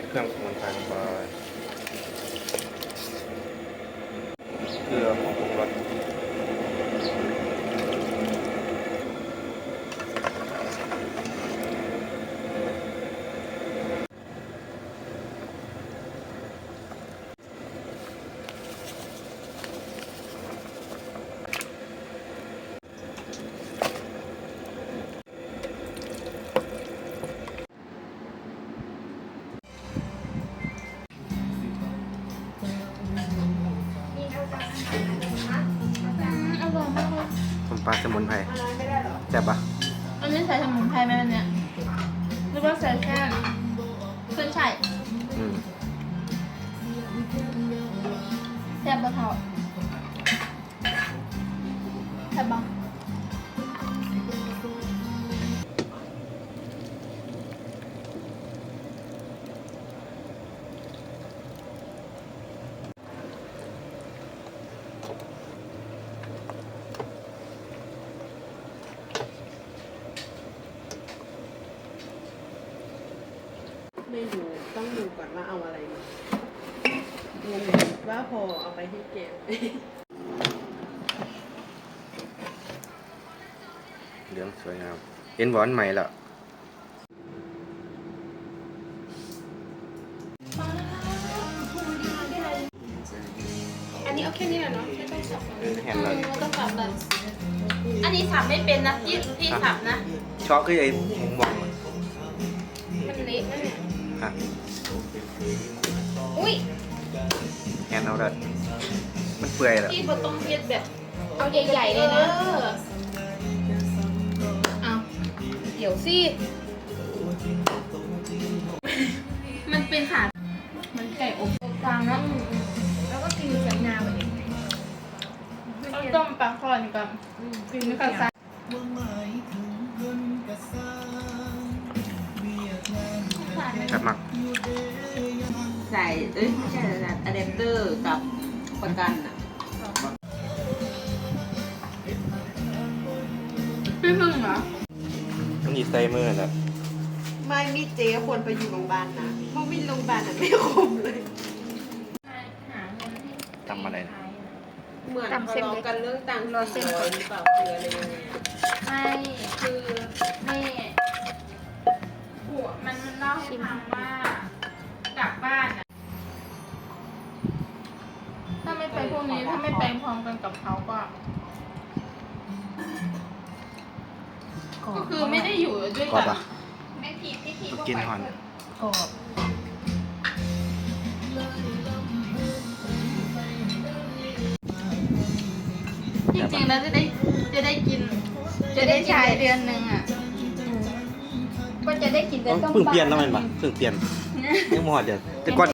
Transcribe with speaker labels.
Speaker 1: เครื่องสมุนไพรลงไปเกลือผงปรุงรส
Speaker 2: อร่อยมากเลย
Speaker 1: ต้มปลาสมุนไพรแซ่บปะ
Speaker 2: อันนี้ใส่สมุนไพรไหมอันเนี้ยหรือว่าใส่แค่ขึ้นช่าย
Speaker 1: อืม
Speaker 2: แซ่บปะเท่าแซ่บปะ
Speaker 3: ไม่รู้ต้องดูก่อนว่าเอาอะไรมางงว่าพอเอาไปให้แกง
Speaker 1: เหลืองสวยงามเห็นหวานใหม่แล้ว
Speaker 3: อันนี้เอาแค่นี้แหละเนาะไม่ต้องสับ
Speaker 1: แห้งแล้ว
Speaker 2: ต้องสับเลยอันนี้สับไม่เป็นนะพี่สับนะ
Speaker 1: ชอบคือไอ้หมูหมอง
Speaker 2: มันเละนะเนี่ย
Speaker 1: ฮะ
Speaker 2: อุ้ย
Speaker 1: แห้งเอาเลยมันเปื่อยแล้ว
Speaker 2: พี่บดต้องเพียดแบบเอาใหญ่ๆเลยนะเอาเดี๋ยวสิมันเป็นขามันไก่อบกลางนะแล้วก็กินใส่น้ำแบบนี้เอาต้มปลาคอนกับกินกับซา
Speaker 1: ครับมัก
Speaker 3: ใส่ไม่ใช่นะอะแดปเตอร์กับประกันอ่ะ
Speaker 2: พี่พึ่งเหรอ
Speaker 1: ต้องยีใส่มือแล้ว
Speaker 3: ไม่มีเจ๊ควรไปอยู่โรงพยาบาลนะเพราะวินโรงพยาบาลอ่ะไม่คมเลย
Speaker 1: ทำอะไรนะ
Speaker 3: เหมือนทะเลาะกันเรื่องตังค์400หรือเปล่าคืออะไรยังไง
Speaker 2: ไม่คือไม่ผัวมันเล่าให้ฟังว่ากลับบ้านอะถ้าไม่ไปพวกนี้ถ้าไม่ไปพร้อมกันกับเขาก็คือไม่ได้อยู่ด้วย
Speaker 1: กรอ
Speaker 2: กับ น
Speaker 1: ปะ
Speaker 2: ไม่ผิดที่ผิด
Speaker 1: กินหอน
Speaker 2: กรอบจริงๆแล้วจะได้กิน จะได้ใช้เดือนหนึ่งอ่ะก็จะได้กินแต่ต้อง
Speaker 1: เพิ่งเปลี่ยนแล้วมันปะเพิ่งเปลี่ยนยังหมดเดี๋ยวแต่ก่อน